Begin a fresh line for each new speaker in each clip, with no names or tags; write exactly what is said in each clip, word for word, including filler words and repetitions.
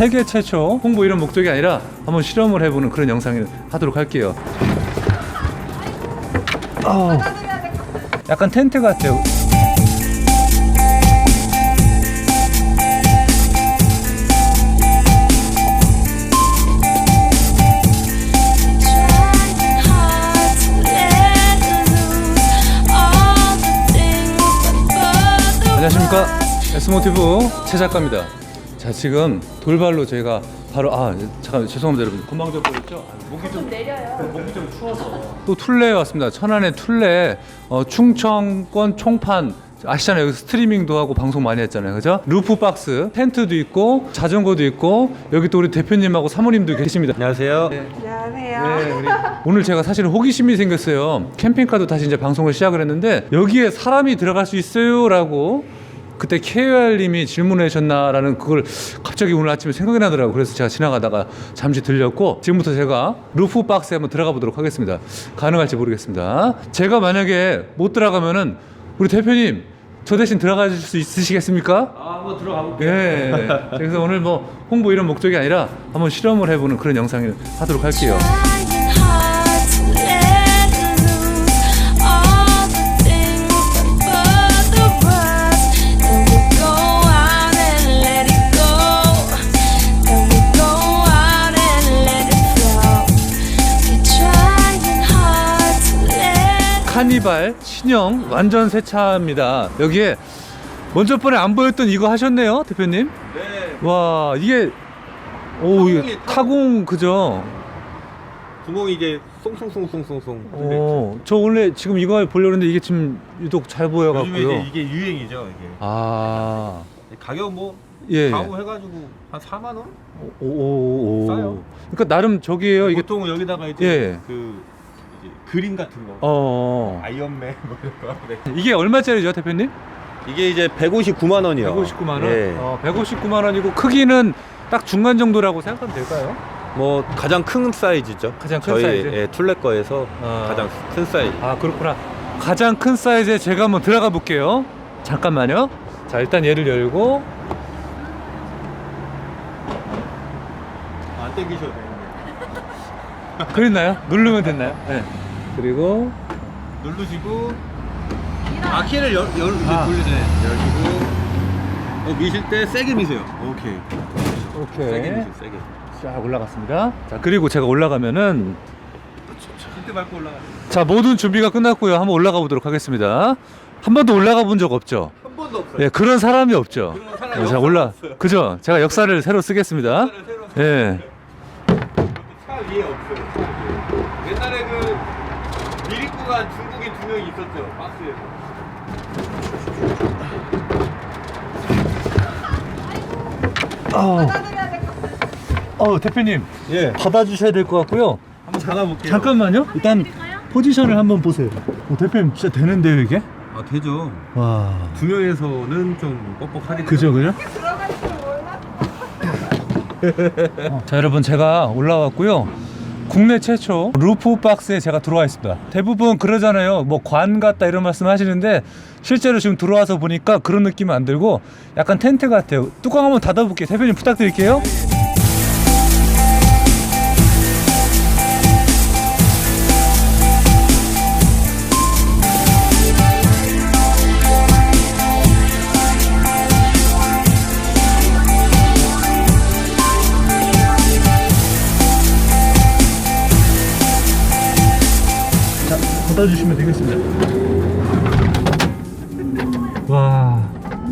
세계 최초 홍보 이런 목적이 아니라 한번 실험을 해보는 그런 영상을 하도록 할게요. 어, 약간 텐트 같아요. 안녕하십니까, S모티브 최 작가입니다. 자, 지금 돌발로 저희가 바로 아 잠깐 죄송합니다 여러분, 건방져 보였죠? 아, 목이 좀 내려요. 목이 좀 추워서 또 툴레에 왔습니다. 천안의 툴레, 어, 충청권 총판 아시잖아요. 여기 스트리밍도 하고 방송 많이 했잖아요, 그죠? 루프 박스, 텐트도 있고 자전거도 있고, 여기 또 우리 대표님하고 사모님도 계십니다.
안녕하세요.
네.
안녕하세요.
네, 우리 오늘 제가 사실은 호기심이 생겼어요. 캠핑카도 다시 이제 방송을 시작을 했는데 여기에 사람이 들어갈 수 있어요? 라고 그때 케이오알님이 질문해 주셨나라는 그걸 갑자기 오늘 아침에 생각이 나더라고요. 그래서 제가 지나가다가 잠시 들렸고, 지금부터 제가 루프 박스에 한번 들어가 보도록 하겠습니다. 가능할지 모르겠습니다. 제가 만약에 못 들어가면은 우리 대표님 저 대신 들어가 주실 수 있으시겠습니까?
아, 한번 들어가 볼게요.
예. 그래서 오늘 뭐 홍보 이런 목적이 아니라 한번 실험을 해보는 그런 영상을 하도록 할게요. 카니발 신형 완전 새 차입니다. 여기에 먼저 번에 안 보였던 이거 하셨네요, 대표님.
네.
와, 이게 오, 이게
타공이,
타공 그죠?
구멍이 이게 송송송송송송.
오, 저 원래 지금 이거 보려고 했는데 이게 지금 유독 잘
요즘에
보여갖고요.
이제 이게 유행이죠, 이게.
아,
가격 뭐
예.
가구 해가지고 한 사만 원?
오, 오, 오.
싸요.
그러니까 나름 저기에요. 이게
보통 여기다가 이제
예.
그 이제 그림 같은 거,
어,
아이언맨 뭐 이런 거. 네.
이게 얼마짜리죠, 대표님?
이게 이제 백오십구만 원이요.
백오십구만 원.
예.
어, 백오십구만 원이고 크기는 딱 중간 정도라고 생각하면 될까요?
뭐 가장 큰 사이즈죠.
가장 큰
저희
사이즈?
예, 툴레 거에서
아.
가장 큰 사이즈.
아, 그렇구나. 가장 큰 사이즈에 제가 한번 들어가 볼게요. 잠깐만요. 자, 일단 얘를 열고.
안 땡기셔도 되는데.
그랬나요? 누르면 됐나요? 네. 그리고
누르시고 아 키를 열, 열 이제
아.
돌리네. 열시고 어, 미실 때 세게 미세요. 오케이. 세게
오케이.
미세요. 세게.
쫙 올라갔습니다. 자, 그리고 제가 올라가면은
힌트 밟고 올라가.
자, 모든 준비가 끝났고요. 한번 올라가 보도록 하겠습니다. 한 번도 올라가 본 적 없죠?
한 번도 없어요.
예, 그런 사람이 없죠.
그런 사람이
자,
없어요.
올라.
없어요.
그죠? 제가 역사를 새로 쓰겠습니다.
역사를 새로
예.
차 위에 없어요. 차 위에. 옛날에 그 미리꾸가 중국인 두 명이 있었죠. 박스에서.
어, 어, 대표님.
예.
받아주셔야 될 것 같고요.
한번 잡아볼게요.
잠깐만요. 일단 포지션을 한번 보세요. 어, 대표님 진짜 되는데요, 이게?
아 되죠.
와.
두 명에서는 좀 뻑뻑하겠죠.
그죠, 그죠? 어, 자, 여러분, 제가 올라왔고요. 국내 최초 루프 박스에 제가 들어와 있습니다. 대부분 그러잖아요. 뭐 관 같다 이런 말씀 하시는데 실제로 지금 들어와서 보니까 그런 느낌은 안 들고 약간 텐트 같아요. 뚜껑 한번 닫아볼게요. 대표님 부탁드릴게요. 닫아주시면 되겠습니다. 와,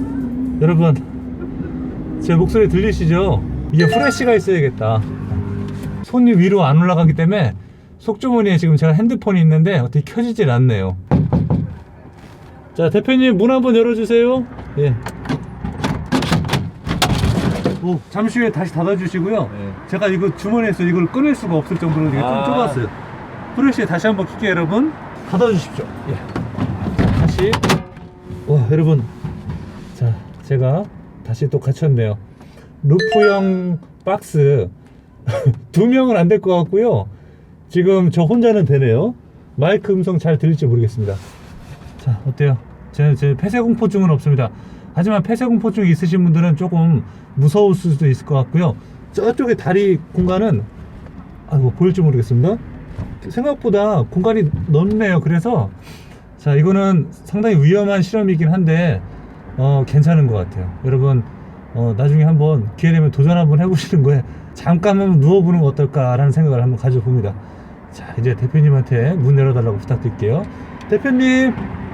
여러분, 제 목소리 들리시죠? 이게 프레쉬가 있어야겠다. 손이 위로 안 올라가기 때문에 속주머니에 지금 제가 핸드폰이 있는데 어떻게 켜지질 않네요. 자, 대표님 문 한번 열어주세요. 예. 오, 잠시 후에 다시 닫아주시고요.
네.
제가 이거 주머니에서 이걸 꺼낼 수가 없을 정도로 이게 좀
아.
좁았어요. 프레쉬에 다시 한번 킬게요, 여러분. 닫아주십시오. 예. 다시. 와, 여러분. 자, 제가 다시 또 갇혔네요. 루프형 박스. 두 명은 안 될 것 같고요. 지금 저 혼자는 되네요. 마이크 음성 잘 들릴지 모르겠습니다. 자, 어때요? 제, 제 폐쇄공포증은 없습니다. 하지만 폐쇄공포증이 있으신 분들은 조금 무서울 수도 있을 것 같고요.
저쪽에 다리 공간은 아, 뭐 보일지 모르겠습니다. 생각보다 공간이 넓네요. 그래서 자, 이거는 상당히 위험한 실험이긴 한데 어, 괜찮은 것 같아요. 여러분 어, 나중에 한번 기회 되면 도전 한번 해보시는 거에 잠깐 한번 누워보는 거 어떨까라는 생각을 한번 가져봅니다. 자, 이제 대표님한테 문 열어달라고 부탁드릴게요. 대표님.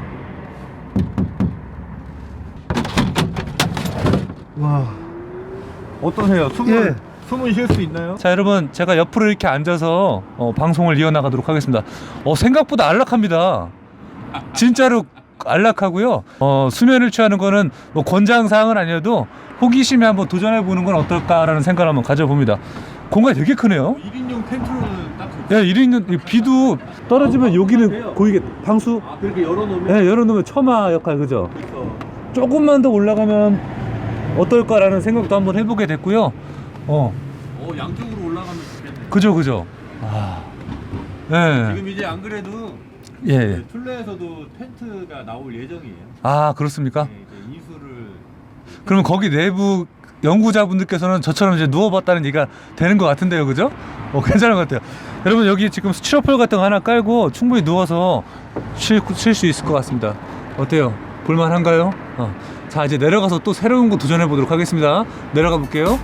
와, 어떠세요? 숨을
예.
숨을 쉴 수 있나요?
자, 여러분 제가 옆으로 이렇게 앉아서 어, 방송을 이어나가도록 하겠습니다. 어, 생각보다 안락합니다. 진짜로 안락하고요. 어, 수면을 취하는 거는 뭐 권장사항은 아니어도 호기심에 한번 도전해보는 건 어떨까라는 생각을 한번 가져봅니다. 공간이 되게 크네요.
일 인용 텐트로는 딱 좋죠.
야, 일 인용 비도 떨어지면 여기는 보이게 방수
아, 그렇게 열어놓으면
예, 열어놓으면 처마 역할 그죠?
그렇죠.
조금만 더 올라가면 어떨까라는 생각도 한번 해보게 됐고요. 어,
어, 양쪽으로 올라가면 좋겠네.
그죠, 그죠. 아, 예,
지금 이제 안 그래도
예, 예.
그 툴레에서도 텐트가 나올 예정이에요.
아, 그렇습니까?
네, 이제 이수를
그러면 거기 내부 연구자분들께서는 저처럼 이제 누워봤다는 얘기가 되는 것 같은데요, 그죠? 어, 괜찮은 것 같아요. 여러분 여기 지금 스티로폴 같은 거 하나 깔고 충분히 누워서 쉴 수 있을 것 같습니다. 어때요? 볼만한가요? 어. 자, 이제 내려가서 또 새로운 거 도전해 보도록 하겠습니다. 내려가 볼게요.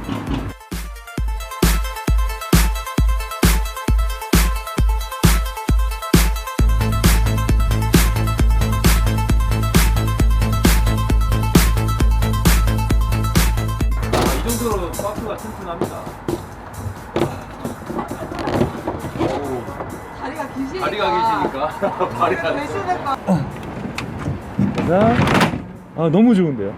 이 정도로 박스가 튼튼합니다.
다리가 기시니까.
다리가 계시니까 다리가
배신을 까
자, 아, 너무 좋은데요.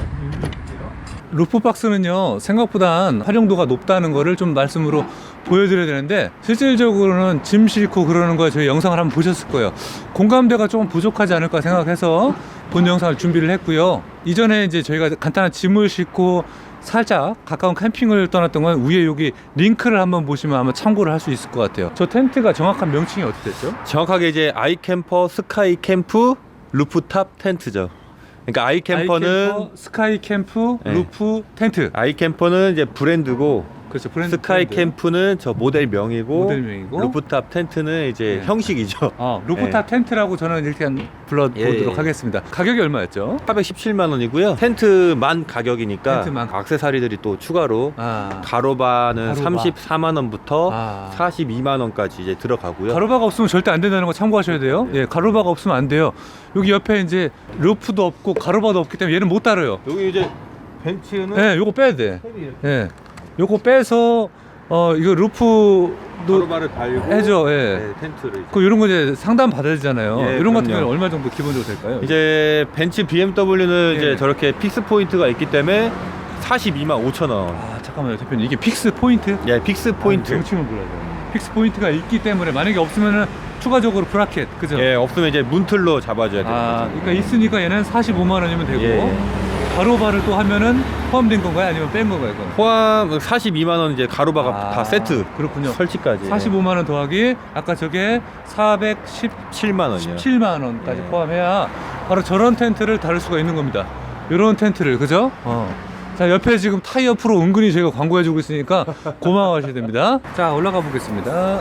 루프 박스는요 생각보다 활용도가 높다는 거를 좀 말씀으로 보여드려야 되는데 실질적으로는 짐 싣고 그러는 거 저희 영상을 한번 보셨을 거예요. 공감대가 조금 부족하지 않을까 생각해서 본 영상을 준비를 했고요. 이전에 이제 저희가 간단한 짐을 싣고 살짝 가까운 캠핑을 떠났던 건 위에 여기 링크를 한번 보시면 아마 참고를 할 수 있을 것 같아요. 저 텐트가 정확한 명칭이 어떻게 됐죠?
정확하게 이제 아이캠퍼 스카이 캠프 루프탑 텐트죠. 그러니까 아이캠퍼는
아이캠퍼, 스카이 캠프,
네.
루프 텐트.
아이캠퍼는 이제 브랜드고
그렇죠. 브랜드
스카이
브랜드.
캠프는 저 모델명이고
모델명이고.
루프탑 텐트는 이제
네.
형식이죠.
아, 루프탑 텐트라고 저는 일단 불러보도록
예, 예.
하겠습니다. 가격이 얼마였죠?
사백십칠만 원이고요. 텐트만 가격이니까
텐트만.
액세서리들이 또 추가로
아,
가로바는
가로바.
삼십사만 원부터
아.
사십이만 원까지 이제 들어가고요.
가로바가 없으면 절대 안 된다는 거 참고하셔야 돼요. 예, 가로바가 없으면 안 돼요. 여기 옆에 이제 루프도 없고 가로바도 없기 때문에 얘는 못 다뤄요.
여기 이제 벤츠는
예, 요거 빼야 돼.
탭이 이렇게
예, 요거 빼서 어 이거 루프도
가로바를 달고
해줘. 예.
네, 텐트를 이제.
그 이런 거 이제 상담 받아야 되잖아요.
예,
이런 같은
그럼요.
경우는 얼마 정도 기본적으로 될까요?
이제 벤츠 비엠더블유는
예.
이제 저렇게 픽스 포인트가 있기 때문에 사십이만 오천 원.
아, 잠깐만요, 대표님. 이게 픽스 포인트?
예, 픽스 포인트.
아니, 명칭을 몰라요. 픽스 포인트가 있기 때문에 만약에 없으면은 추가적으로 브라켓, 그죠?
예, 없으면 이제 문틀로 잡아줘야 돼요.
아, 그러니까 있으니까 얘는 사십오만 원이면 되고
예.
가로바를 또 하면은 포함된 건가요? 아니면 뺀 건가요? 이건?
포함 사십이만 원 이제 가로바가
아,
다 세트.
그렇군요.
설치까지.
사십오만 원 더하기 아까 저게
칠만 원이요.
사백십칠만 원까지
예.
포함해야 바로 저런 텐트를 다룰 수가 있는 겁니다. 이런 텐트를, 그죠? 어. 자, 옆에 지금 타이어 프로 은근히 저희가 광고해주고 있으니까 고마워하셔야 됩니다. 자, 올라가 보겠습니다.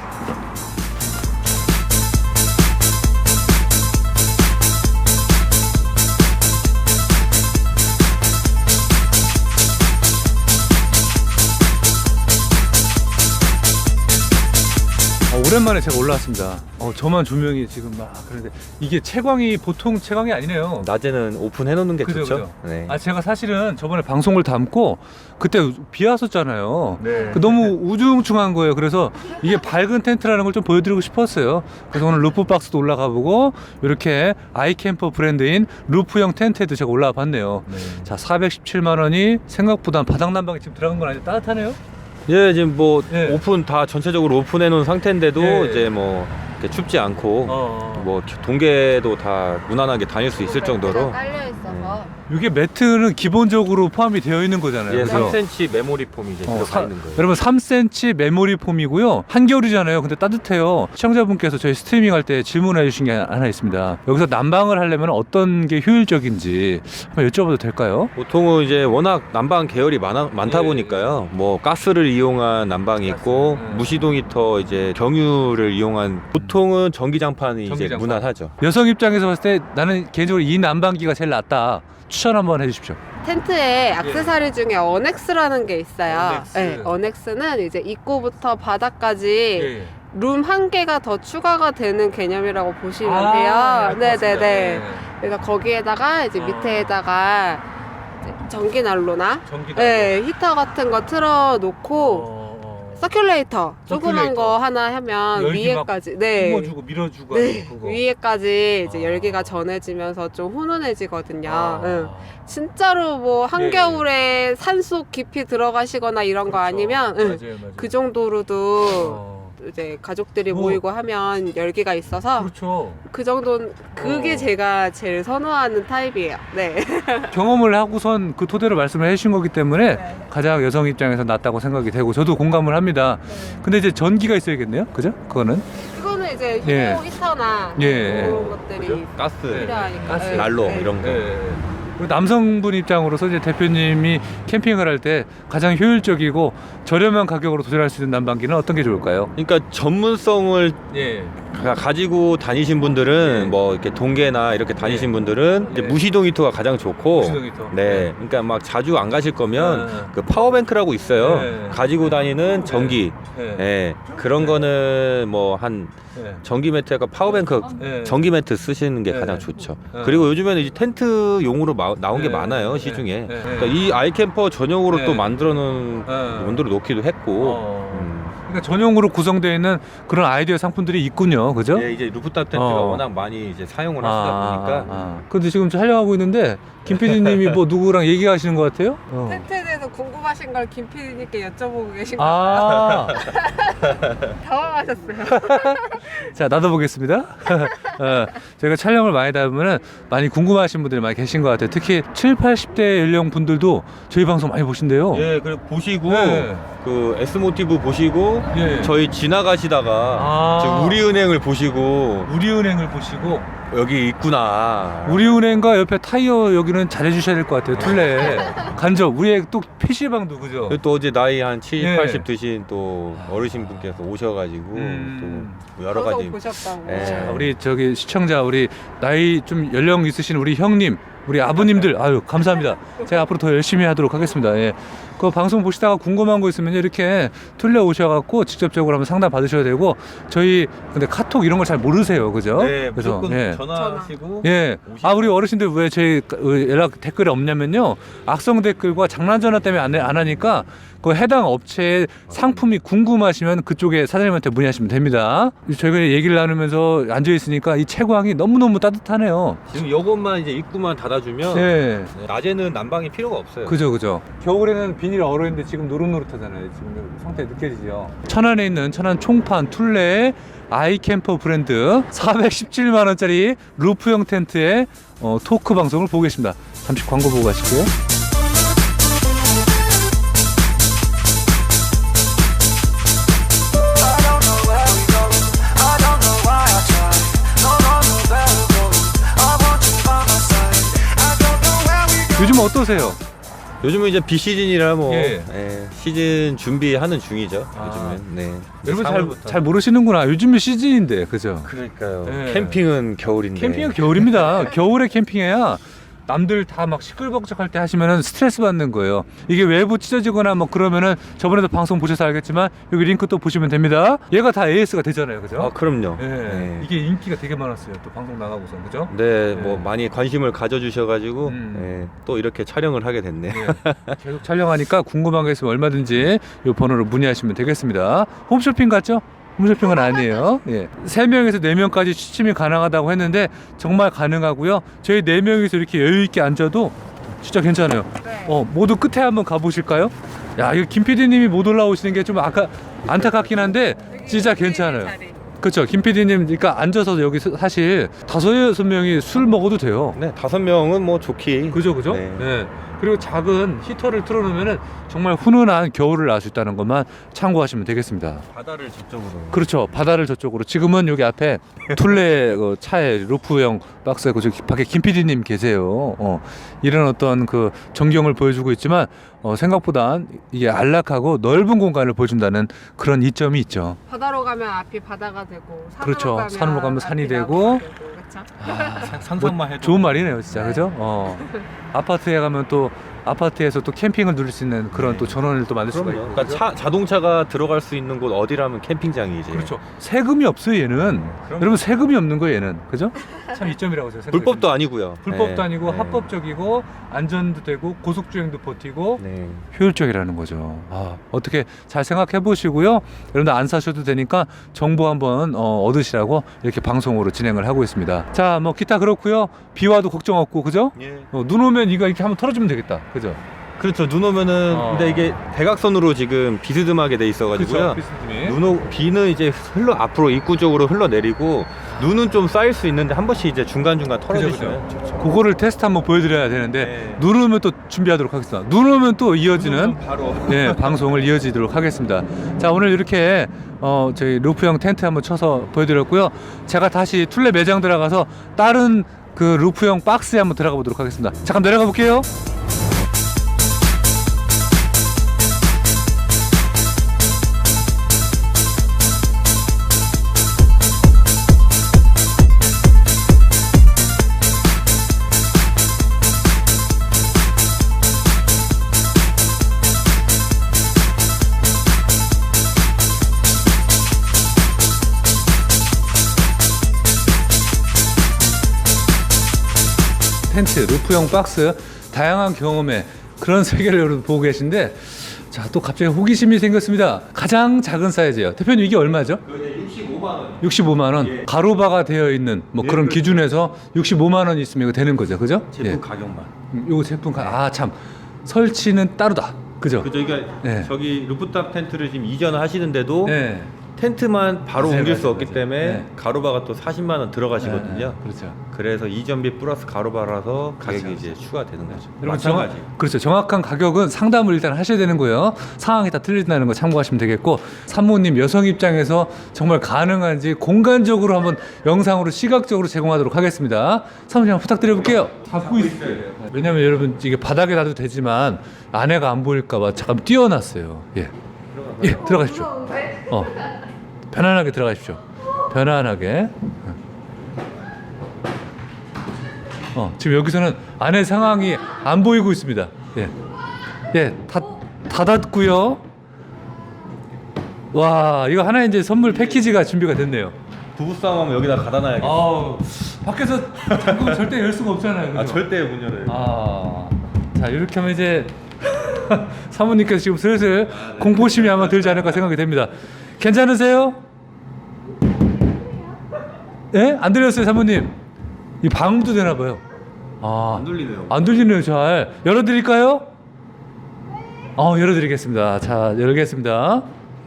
어, 오랜만에 제가 올라왔습니다. 어, 저만 조명이 지금 막 그런데 이게 채광이 보통 채광이 아니네요.
낮에는 오픈해 놓는 게
그죠,
좋죠.
그죠.
네.
아, 제가 사실은 저번에 방송을 담고 그때 비 왔었잖아요.
네.
그 너무 우중충한 거예요. 그래서 이게 밝은 텐트라는 걸 좀 보여드리고 싶었어요. 그래서 오늘 루프 박스도 올라가 보고 이렇게 아이캠퍼 브랜드인 루프형 텐트에도 제가 올라와 봤네요.
네.
자, 사백십칠만 원이 생각보다 바닥 난방이 지금 들어간 건 아니죠? 따뜻하네요?
예, 지금 뭐
예.
오픈 다 전체적으로 오픈해 놓은 상태인데도
예.
이제 뭐 이렇게 춥지 않고
어.
뭐 동계도 다 무난하게 다닐 수 있을 정도로
깔려 있어서.
이게 매트는 기본적으로 포함이 되어 있는 거잖아요.
예,
그죠?
삼 센티미터 메모리 폼이 이제
어,
들어가
사-
있는 거예요.
여러분 삼 센티미터 메모리 폼이고요. 한겨울이잖아요. 근데 따뜻해요. 시청자분께서 저희 스트리밍 할 때 질문해 주신 게 하나 있습니다. 여기서 난방을 하려면 어떤 게 효율적인지 한번 여쭤봐도 될까요?
보통은 이제 워낙 난방 계열이 많아, 많다
예,
보니까요. 뭐 가스를 이용한 난방이 있고
가스, 예.
무시동 히터 이제 경유를 이용한 보통은 전기장판이 이제
전기장판.
무난하죠.
여성 입장에서 봤을 때 나는 개인적으로 이 난방기가 제일 낫다. 추천 한번 해주십시오.
텐트에 액세서리 중에 어넥스라는 게 있어요.
어넥스.
네, 어넥스는 이제 입구부터 바닥까지
예.
룸 한 개가 더 추가가 되는 개념이라고 보시면
아,
돼요.
네,
네네네.
맞습니다.
그래서 거기에다가 이제
어.
밑에다가 이제 전기 난로나
전기
네, 히터 같은 거 틀어놓고
어, 어.
서큘레이터 조그만
서큘레이터.
거 하나 하면
열기 막
위에까지 네.
뿜어주고 밀어주고
네,
하는 그거.
위에까지 이제
아.
열기가 전해지면서 좀 훈훈해지거든요.
아.
응. 진짜로 뭐 한겨울에 산속 깊이 들어가시거나 이런 거
그렇죠.
아니면 응,
맞아요, 맞아요.
그 정도로도
어.
이제 가족들이
뭐.
모이고 하면 열기가 있어서
그렇죠.
그 정도는 그게
어.
제가 제일 선호하는 타입이에요. 네.
경험을 하고선 그 토대로 말씀을 해주신 거기 때문에
네.
가장 여성 입장에서 낫다고 생각이 되고 저도 공감을 합니다. 근데 이제 전기가 있어야겠네요, 그죠? 그거는
이거는 이제
예.
휴대용 히터나
예.
그런 것들이
가스,
필요하니까.
가스,
네.
난로
네.
이런 거.
예. 그리고 남성분 입장으로서 이제 대표님이 캠핑을 할 때 가장 효율적이고 저렴한 가격으로 도전할 수 있는 난방기는 어떤 게 좋을까요?
그러니까 전문성을
예.
가- 가지고 다니신 분들은
네.
뭐 이렇게 동계나 이렇게 다니신
네.
분들은 이제
네.
무시동 히터가 가장 좋고
무시동 히터.
네, 그러니까 막 자주 안 가실 거면
네.
그 파워뱅크라고 있어요.
네.
가지고 다니는 전기.
예.
예, 그런 거는 뭐 한
예.
전기 매트가 파워뱅크
예.
전기 매트 쓰시는 게
네.
가장 좋죠.
어.
그리고 요즘에는 이제 텐트용으로 마- 나온 게
네.
많아요,
네.
시중에.
네.
그러니까 이 아이캠퍼 전용으로
네.
또 만들어 놓은
네.
원도로 놓기도 했고.
어.
음.
그러니까 전용으로 구성되어 있는 그런 아이디어 상품들이 있군요, 그죠?
예, 이제 루프탑 텐트가
어.
워낙 많이 이제 사용을 하시다 보니까
아. 근데 지금 촬영하고 있는데 김 피디님이 뭐 누구랑 얘기하시는 것 같아요? 어.
텐트에 대해서 궁금하신 걸 김 피디님께 여쭤보고 계신 거
아,
당황하셨어요.
자 나도 보겠습니다. 어, 저희가 촬영을 많이 하다 보면은 많이 궁금하신 분들이 많이 계신 것 같아요. 특히 칠, 팔십 대 연령 분들도 저희 방송 많이 보신대요.
예, 그리고 보시고
네.
그 S 모티브 보시고
예.
저희 지나가시다가
아.
저 우리은행을 보시고
우리은행을 보시고
여기 있구나.
우리은행과 옆에 타이어 여기는 잘해주셔야 될 것 같아요. 툴레 간접 우리의 또 피시방도 그죠?
그리고 또 어제 나이 한 칠십,
예.
팔십 드신 또 어르신 분께서 오셔가지고
음.
또 여러 가지
보셨다고.
예.
자, 우리 저기 시청자 우리 나이 좀 연령 있으신 우리 형님 우리 아버님들 아유 감사합니다. 제가 앞으로 더 열심히 하도록 하겠습니다. 예. 그 방송 보시다가 궁금한 거 있으면 이렇게 툴레 오셔갖고 직접적으로 한번 상담 받으셔야 되고 저희 근데 카톡 이런 걸 잘 모르세요, 그죠?
네, 무조건
예.
전화하시고
예. 아 우리 어르신들 왜 저희 연락 댓글이 없냐면요 악성 댓글과 장난 전화 때문에 안, 안 하니까 그 해당 업체의 상품이 궁금하시면 그쪽에 사장님한테 문의하시면 됩니다. 저희가 얘기를 나누면서 앉아 있으니까 이 채광이 너무 너무 따뜻하네요.
지금 요것만 이제 입구만 닫아주면
네.
네, 낮에는 난방이 필요가 없어요.
그죠 그죠. 겨울에는 비닐 얼어있는데 지금 노릇노릇하잖아요. 지금 상태 느껴지죠. 천안에 있는 천안 총판 툴레 아이캠퍼 브랜드 사백십칠만 원짜리 루프형 텐트의 어, 토크 방송을 보고 계십니다. 잠시 광고 보고 가시고요. 요즘 어떠세요?
요즘은 이제 비 시즌이라 뭐
예.
예, 시즌 준비하는 중이죠.
아.
요즘은. 네.
여러분 잘,
삼월부터.
잘 모르시는구나. 요즘이 시즌인데, 그죠?
그러니까요.
예.
캠핑은 겨울인데.
캠핑은 겨울입니다. 겨울에 캠핑해야 남들 다 막 시끌벅적할 때 하시면은 스트레스 받는 거예요. 이게 외부 찢어지거나 뭐 그러면은 저번에도 방송 보셔서 알겠지만 여기 링크 또 보시면 됩니다. 얘가 다 에이에스가 되잖아요, 그죠?
아 그럼요.
예.
네.
이게 인기가 되게 많았어요. 또 방송 나가고서, 그죠?
네,
네.
뭐 많이 관심을 가져주셔가지고
음.
예, 또 이렇게 촬영을 하게 됐네.
예. 계속 촬영하니까 궁금한 게 있으면 얼마든지 이 번호로 문의하시면 되겠습니다. 홈쇼핑 같죠? 홈쇼핑은 아니에요. 예. 세 명에서 네 명까지 취침이 가능하다고 했는데 정말 가능하고요. 저희 네 명이서 이렇게 여유 있게 앉아도 진짜 괜찮아요.
네.
어, 모두 끝에 한번 가보실까요? 야, 이거 김 피디님이 못 올라오시는 게 좀 아까 안타깝긴 한데 진짜 괜찮아요. 그렇죠. 김 피디님, 그러니까 앉아서 여기 서- 사실 다섯 여섯 명이 술 먹어도 돼요.
네, 다섯 명은 뭐 좋기.
그죠, 그죠?
네.
네. 그리고 작은 히터를 틀어놓으면 정말 훈훈한 겨울을 알 수 있다는 것만 참고하시면 되겠습니다.
바다를 저쪽으로.
그렇죠. 바다를 저쪽으로. 지금은 여기 앞에 툴레 그 차에 루프형 박스에 그 저기 밖에 김 피디님 계세요. 어, 이런 어떤 그 전경을 보여주고 있지만 어, 생각보다 이게 안락하고 넓은 공간을 보여준다는 그런 이점이 있죠.
바다로 가면 앞이 바다가 되고 산으로
그렇죠.
가면
산으로 가면 산이
앞이
되고.
나무가 되고, 그렇죠?
아,
상상만 해도
좋은 말이네요, 진짜.
네.
그죠? 어. 아파트에 가면 또 아파트에서 또 캠핑을 누릴 수 있는 그런 또 전원을 또 만들 수가
그럼요.
있고.
그러니까 차, 자동차가 들어갈 수 있는 곳 어디라면 캠핑장이지.
그렇죠. 세금이 없어요, 얘는. 여러분 세금이 없는 거예요, 얘는. 그죠? 참 이점이라고 제가 생각해요.
불법도 아니고요.
불법도
네.
아니고
네.
합법적이고 안전도 되고 고속주행도 버티고
네.
효율적이라는 거죠. 아, 어떻게 잘 생각해 보시고요. 여러분들 안 사셔도 되니까 정보 한번 어, 얻으시라고 이렇게 방송으로 진행을 하고 있습니다. 자, 뭐 기타 그렇고요. 비 와도 걱정 없고, 그죠?
예.
어, 눈 오면 이거 이렇게 한번 털어주면 되겠다, 그죠?
그렇죠. 눈 오면은
어.
근데 이게 대각선으로 지금 비스듬하게 돼 있어가지고요.
비스님이.
눈 오, 비는 이제 흘러 앞으로 입구 쪽으로 흘러내리고 눈은 좀 쌓일 수 있는데 한 번씩 이제 중간 중간 털어주시면 좋죠.
그거를 테스트 한번 보여드려야 되는데
네.
눈 오면 또 준비하도록 하겠습니다. 눈 오면 또 이어지는
바로.
네, 방송을 이어지도록 하겠습니다. 자, 오늘 이렇게 어, 저희 루프형 텐트 한번 쳐서 보여드렸고요. 제가 다시 툴레 매장 들어가서 다른 그 루프형 박스에 한번 들어가 보도록 하겠습니다. 잠깐 내려가 볼게요. 텐트, 루프형 박스, 다양한 경험의 그런 세계를 여러분 보고 계신데, 자, 또 갑자기 호기심이 생겼습니다. 가장 작은 사이즈예요. 대표님, 이게 얼마죠?
육십오만 원.
육십오만 원.
예.
가로바가 되어 있는 뭐
예,
그런
그렇죠.
기준에서 육십오만 원 있으면 이거 되는 거죠, 그죠?
제품
예.
가격만.
음, 요거 제품 가, 아, 참, 설치는 따로다, 그죠?
그죠. 그러니까
네.
저기 루프탑 텐트를 지금 이전하시는데도
네.
텐트만 바로
맞아요,
옮길 수
맞아요,
없기
맞아요.
때문에
네.
가로바가 또 사십만 원 들어가시거든요.
네, 그렇죠.
그래서 이전비 플러스 가로바라서 가격이
그렇죠.
이제 추가되는 거죠.
여러분, 정확,
마찬가지.
그렇죠. 정확한 가격은 상담을 일단 하셔야 되는 거예요. 상황이 다 틀린다는 거 참고하시면 되겠고, 사모님 여성 입장에서 정말 가능한지 공간적으로 한번 영상으로 시각적으로 제공하도록 하겠습니다. 사모님 한번 부탁드려볼게요. 잡고 있어요. 왜냐면 여러분 이게 바닥에 놔도 되지만 안에가 안 보일까봐 잠깐 띄워놨어요. 예, 예, 들어가십시오. 어, 편안하게 들어가십시오. 편안하게. 어, 지금 여기서는 안에 상황이 안 보이고 있습니다. 예, 예, 다 닫았고요. 와, 이거 하나 이제 선물 패키지가 준비가 됐네요.
부부싸움하면 여기다 갖다 놔야겠다.
아우, 밖에서 잠그면 절대 열 수가 없잖아요. 그죠?
아, 절대 문 열어요.
아, 자, 이렇게 하면 이제 사모님께서 지금 슬슬 공포심이 아마 들지 않을까 생각이 됩니다. 괜찮으세요? 예? 안 들렸어요, 사모님? 이 방음도 되나 봐요. 아,
안 들리네요.
안 들리네요. 잘 열어드릴까요? 어, 열어드리겠습니다. 자, 열겠습니다.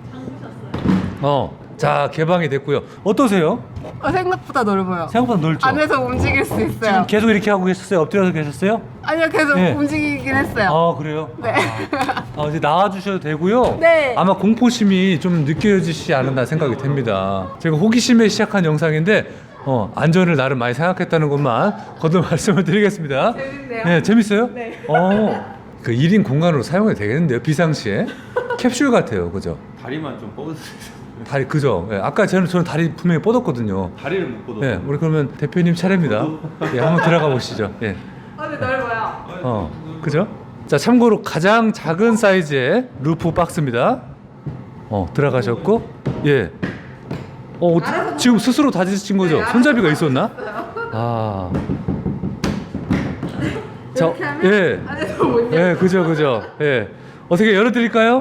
어, 자, 개방이 됐고요. 어떠세요?
어, 생각보다 넓어요.
생각보다 넓죠?
안에서 움직일 수 있어요.
지금 계속 이렇게 하고 계셨어요? 엎드려서 계셨어요?
아니요, 계속
네.
움직이긴 했어요.
아, 그래요?
네.
아, 아, 이제 나와주셔도 되고요.
네.
아마 공포심이 좀 느껴지시지 않았나 생각이 됩니다. 제가 호기심에 시작한 영상인데 어, 안전을 나름 많이 생각했다는 것만 거듭 말씀을 드리겠습니다.
재밌네요.
네, 재밌어요?
네.
어, 그 일 인 공간으로 사용해도 되겠는데요, 비상시에. 캡슐 같아요, 그죠?
다리만 좀 뻗으세요.
다리, 그죠? 예, 아까 저는, 저는 다리 분명히 뻗었거든요.
다리를 못 뻗어.
예, 우리 그러면 대표님 차례입니다. 예, 한번 들어가 보시죠. 예.
아, 근데 넓어요.
어, 그죠? 자, 참고로 가장 작은 사이즈의 루프 박스입니다. 어, 들어가셨고, 예. 어, 어떻게- 지금 스스로 다지신 거죠?
네,
손잡이가
알아서
있었나? 아. 자,
이렇게 하면
예.
안에서 못 열어요.
예, 그죠, 그죠. 예. 어떻게 열어드릴까요?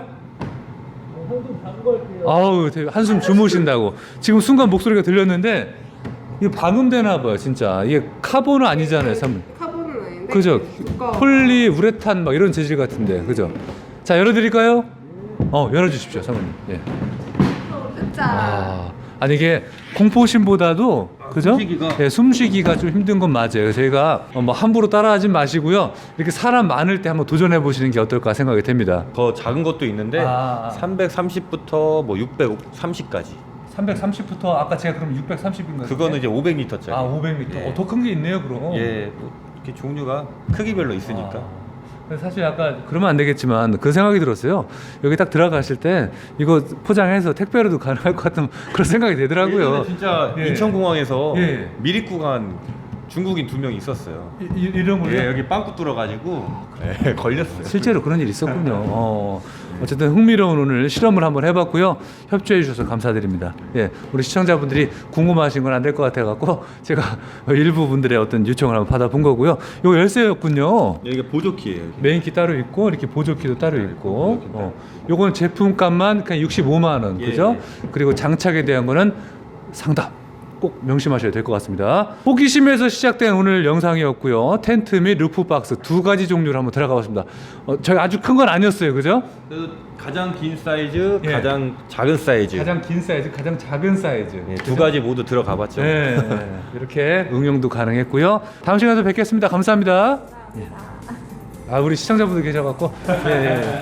아우, 되게 한숨 주무신다고. 지금 순간 목소리가 들렸는데, 이게 방음되나 봐요, 진짜. 이게 카본은 아니잖아요, 사모님.
카본은 아닌데.
그죠?
두꺼워.
폴리 우레탄 막 이런 재질 같은데, 그죠? 자, 열어드릴까요? 어, 열어주십시오, 사모님. 예.
짠.
아, 아니 이게 공포심보다도 그죠?
숨쉬기가?
예, 숨쉬기가 좀 힘든 건 맞아요. 저희가 어, 뭐 함부로 따라하진 마시고요. 이렇게 사람 많을 때 한번 도전해 보시는 게 어떨까 생각이 됩니다.
더 작은 것도 있는데
아.
삼백삼십부터 뭐 육백삼십까지.
삼백삼십부터 아까 제가 그럼 육백삼십인 거예요?
그거는 이제 오백 리터짜리.
아 오백 미터.
예.
어, 더 큰 게 있네요, 그럼.
예, 뭐 이렇게 종류가 크기별로 있으니까.
아, 근데 사실 아까 그러면 안 되겠지만 그 생각이 들었어요. 여기 딱 들어가실 때 이거 포장해서 택배로도 가능할 것 같은 그런 생각이 되더라고요.
예전에 진짜
예.
인천공항에서
예.
미립국 간 중국인 두 명 있었어요.
이, 이- 이름을요?
예, 여기 빵꾸 뚫어가지고 예, 걸렸어요.
실제로 그런 일이 있었군요. 어, 어쨌든 흥미로운 오늘 실험을 한번 해봤고요. 협조해 주셔서 감사드립니다. 예, 우리 시청자분들이 궁금하신 건 안 될 것 같아갖고 제가 일부 분들의 어떤 요청을 한번 받아본 거고요. 이거 열쇠였군요.
예, 이게 보조키예요. 이게.
메인키 따로 있고 이렇게 보조키도 따로
네,
있고.
보조키 따로
어, 요건 제품값만 그냥 육십오만 원,
예,
그죠?
예.
그리고 장착에 대한 거는 상담. 꼭 명심하셔야 될 것 같습니다. 호기심에서 시작된 오늘 영상이었고요. 텐트 및 루프 박스 두 가지 종류를 한번 들어가 봤습니다. 어, 저희 아주 큰 건 아니었어요, 그죠?
그 가장 긴 사이즈,
예.
가장 작은 사이즈.
가장 긴 사이즈, 가장 작은 사이즈.
예,
그죠?
두 가지 모두 들어가봤죠.
네, 이렇게 응용도 가능했고요. 다음 시간에 또 뵙겠습니다. 감사합니다. 예. 아, 우리 시청자분들 계셔갖고 예, 예.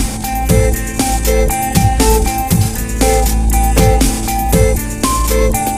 좋네요.